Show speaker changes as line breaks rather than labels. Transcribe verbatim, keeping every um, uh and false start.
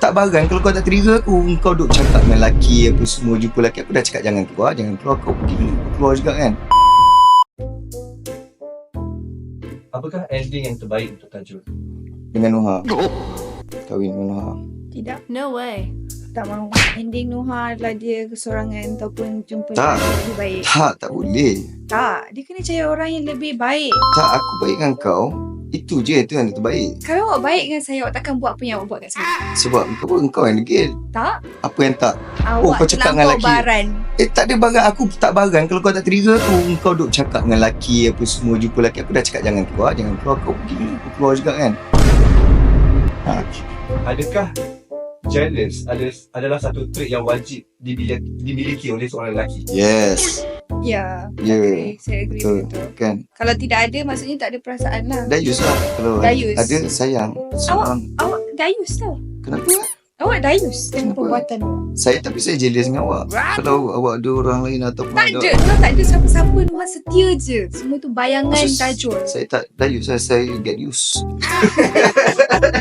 tak barang kalau kau tak trigger aku. Kau duk cakap dengan lelaki apa semua, jumpa lelaki. Aku dah cakap jangan keluar, jangan keluar. Kau pergi mana? Kau keluar juga kan.
Apakah ending yang terbaik untuk Tajul?
Dengan Nuha. Kahwin dengan Nuha.
Tidak.
No way.
Tak mahu. Ending Nuha adalah dia kesorangan ataupun jumpa
Tak.
lelaki yang lebih baik.
Tak, tak boleh.
Tak. Dia kena cari orang yang lebih baik.
Tak, aku baik dengan kau. Itu je, itu yang terbaik.
Kalau awak baik dengan saya, awak takkan buat apa yang awak buat kat saya.
Sebab kau engkau yang degil.
Tak.
Apa yang tak?
Awak
Oh, kau cakap dengan
terlampau
lelaki.
baran.
Eh, tak ada barang. Aku tak barang kalau kau tak trigger aku. Kau duk cakap dengan lelaki apa semua, jumpa lelaki. Aku dah cakap jangan keluar, jangan keluar. Kau pergi mana? Kau keluar juga kan. Ha.
Adakah jealous ada, adalah satu trait yang wajib dimiliki, dimiliki oleh seorang lelaki?
Yes.
Ya.
Ya.
Okay, saya agree
Betul.
betul.
Kan.
Kalau tidak ada, maksudnya tak ada perasaan lah.
Dayus lah. Kalau
Dayus.
ada sayang. Seorang.
Awak dayus tau.
Kenapa?
Awak dayus dengan
Kenapa?
perbuatan awak.
Saya tapi saya jealous dengan awak. Kalau awak ada orang lain ataupun
Tak
ada,
ada. Kalau tak ada siapa-siapa, Nuha setia je. Semua tu bayangan
Maksud-
Tajul.
saya tak dayus. Saya, saya get used.